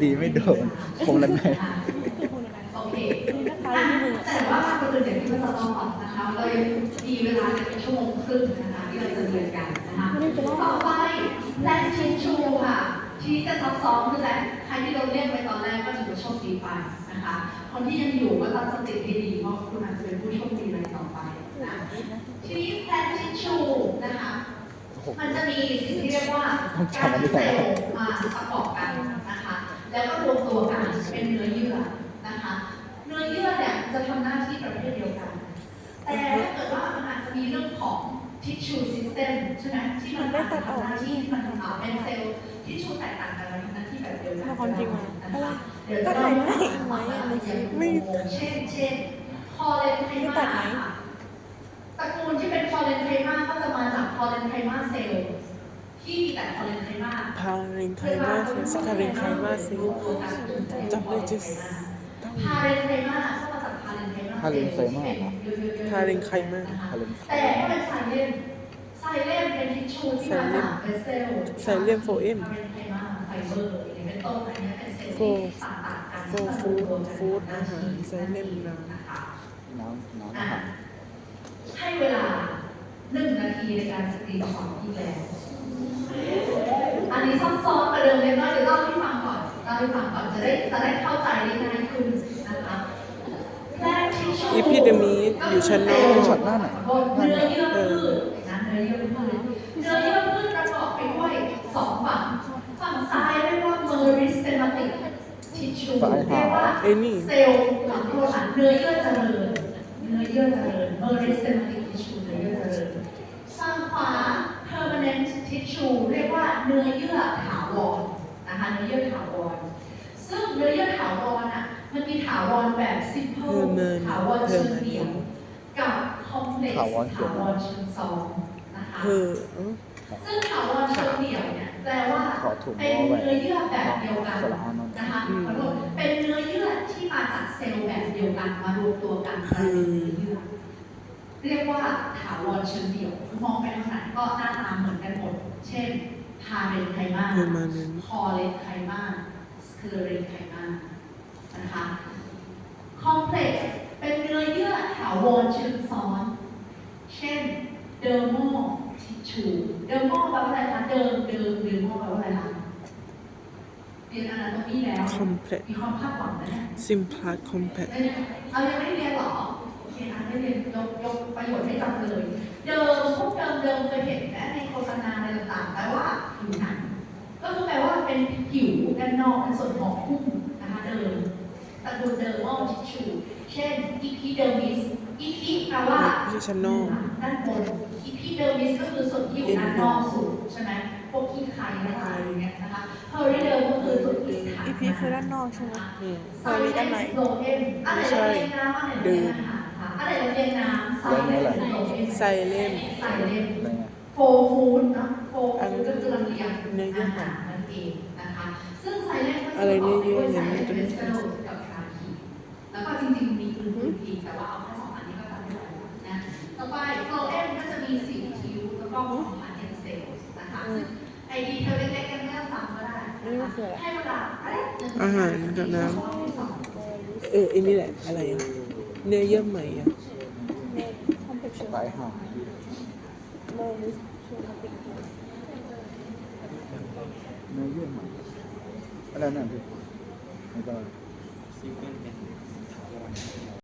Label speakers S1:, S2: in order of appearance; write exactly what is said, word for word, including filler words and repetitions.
S1: ตีไม่โดนคงละไง
S2: โอเคแต่ว่าคนอื่นอย่างที่เราต้องบอกนะคะเรายังมีเวลาเป็นชั่วโมงครึ่งนะคะที่เราจะเรียนกันนะคะต่อไปแลนชินชูค่ะที่จะซับซ้อนคือแลนใครที่เราเรียกไปตอนแรกก็ถือว่าโชคดีไปนะคะคนที่ยังอยู่ก็ตั้งสติให้ดีเพราะคุณอาจจะเป็นผู้โชคดีในต่อไปนะทีนี้แลนชินชูนะคะมันจะมีสิ่งที่เรียกว่าการเซลล์มาประกอบกันนะคะแล้วก็รวมตัวกันเป็นเนื้อเยื่อนะคะเนื้อเยื่อเนี่ยจะทำหน้าที่ประเภทเดียวกันแต่ถ้าเกิดว่ามันอาจจะมีเรื่องของ tissue system ใช่ไหมที่มันทำหน้าที่มันเป็นเซลล์ทิชชูแตกต่างกันมันทำหน้าที่แบบเดียวกัน
S3: ความจริงอ่ะอะไร
S2: เดี๋ยว
S3: ก็
S2: จะ
S3: ถ่าย
S2: เล่า
S3: ได้
S2: ให้
S3: ไหม
S2: ฟัง
S3: ในคลิป
S2: ไม่
S3: ไม่
S2: เช่นเช่นพอเลนไทมาตระกูลที่เป็นพอเลนไทมาก็จะมาจากพอเลนไทมาเซลล์ที่มีแต่พอเลนไทมา
S3: พาเรนไคมาเซลสคาเรนไคมาเซลจำได้จิส
S2: พาเรนไทมาก็มาจากพาเรนไทมา
S1: พาเลนไซมาครับ
S3: พาเรนไคมา
S1: พาเลนไซ
S2: แต่ถ้าเป็นไซเลนไซเลนเป็นทิชชูที่มาจากเป็นเซลล์
S3: ไซเลียมโฟเอ็ม
S2: พาเรนไทมาไฟเบอร์อย่างนี้เป็นต้นอันนี้เป็นเซลล์
S3: โฟ
S2: ที่ต่างๆกัน
S3: โฟฟูดฟูดอาหารไซเลียมน้ำ
S1: น้ำน้ำอาหาร
S2: ให้เวลาหนึ่งนาทีในการสกรีนช็อตอีกแล้วอันนี้ซับซ้อนกว่าเดิมเลยก็เดี๋ยวเล่าให้ฟังก่อนเล่าให้ฟังก่อนจะได้จะได้เข้าใจได้ง่ายขึ้นนะคะแรกที่ชู
S3: อีพิเดมีอยู่ชั้นนอก
S1: ช็อตหน้าไหน
S2: บนเนื้อเยื่อพืชนะเนื้อเยื่อพืชเนื้อเยื่อพืชประกอบไปด้วยสองฝั่งฝั่งซ้ายเรียกว่า meristematic tissue เรียกว่าเซลล์หลังโครงสร้างเนื้อเยื่อเจริญเนื้อเยื่อเจริญ meristematic tissue เนื้อเยื่อเจริญฝั่งขวา permanent tissue เรียกว่าเนื้อเยื่อถาวรนะคะเนื้อเยื่อถาวรซึ่งเนื้อเยื่อถาวรอ่ะมันมีถาวรแบบ simple ถาวรเชิงเดี่ยวกับ complex ถาวรเชิงซ้อนนะคะ
S3: เออ
S2: ซึ่งถาวรเชิงเดี่ยวเนี่ยแปลว่าเป็นเนื้อเยื่อแบบเดียวกันนะคะเป็นเนื้อเยื่อที่มาจากเซลล์แบบเดียวกันมารวมตัวกันกลายเป็นเนื้อเยื่อเรียกว่าถาวรเชิงเดี่ยวมองไปทางไหนก็หน้าตาเหมือนกันหมดเช่นพาเรนไคมาคอเลนไคมาสเคเลเรนไคมานะคะคอมเพล็กซ์เป็นเนื้อเยื่อถาวรเชิงซ้อนเช่นเดอร์โมทิชชูเดอร์โมแปลว่าอะไรคะเดิมเดิมเดอร์โมแปลว่าอะไรคะเรียนอนาโตมีแล้วมีความคาดหวังนะเนี่ย
S3: ซิมพลัสคอมแพค
S2: เอายังไม่เรียนหรอโอเคนะไม่เรียนยกยกประโยชน์ให้จำเลยเดิมพวกเดิมเดิมเคยเห็นนะในโฆษณาอะไรต่างๆแปลว่าผิวหนังก็คือแปลว่าเป็นผิวด้านนอกเป็นส่วนของหุ้มนะคะเดิมตระกูลเดอร์มอลทิชชูเช่นอีพีเดอร์มิสอีพีแปลว่าด้านบนอีพีเดอร์มิสก็คือส่วนที่อยู่ด้านนอกสุดใช่ไหมพวกขี้ไข่อะไรอย่างเงี้ยนะคะเพอริเดอร์ก็คือส่วนที่ขา
S3: อีพีคือด้านนอกใช่ไหม
S2: อืม
S3: พอรีด้านใน
S2: ไม่ใช่เดินอะไรเราเรียนน้ำไซเลม
S3: ไซเลม
S2: ไซเลม
S1: อะไรเงี้ย
S2: โฟฟูดเนาะโฟฟูดก็คือลำเลียงอาหารนั่นเองนะคะซึ่งไซเลมก็จะประกอบด้วยไซเลมเป็นเซลล์กับคาคีแล้วก็จริงๆมีอื่นๆอีกแต่ว่าเอาแค่สองอันนี้ก็จำไม่ได้นะต่อไปโฟเอ็มก็จะมีสีคิ้วแล้วก็ของพาร์เทนเซลล์นะคะซึ่งไอดีเทลเล็กๆกันไม่ต้องฟังก็ได้ให้เวลา
S3: อาหารกับน้ำเอออันนี้แหละอะไรอ่ะเนื้อเยื่อใหม่อ่ะ
S1: สายหาเนื้อเยื่อใหม่อะไรนั่นพี่ไม่ก็ซีเกน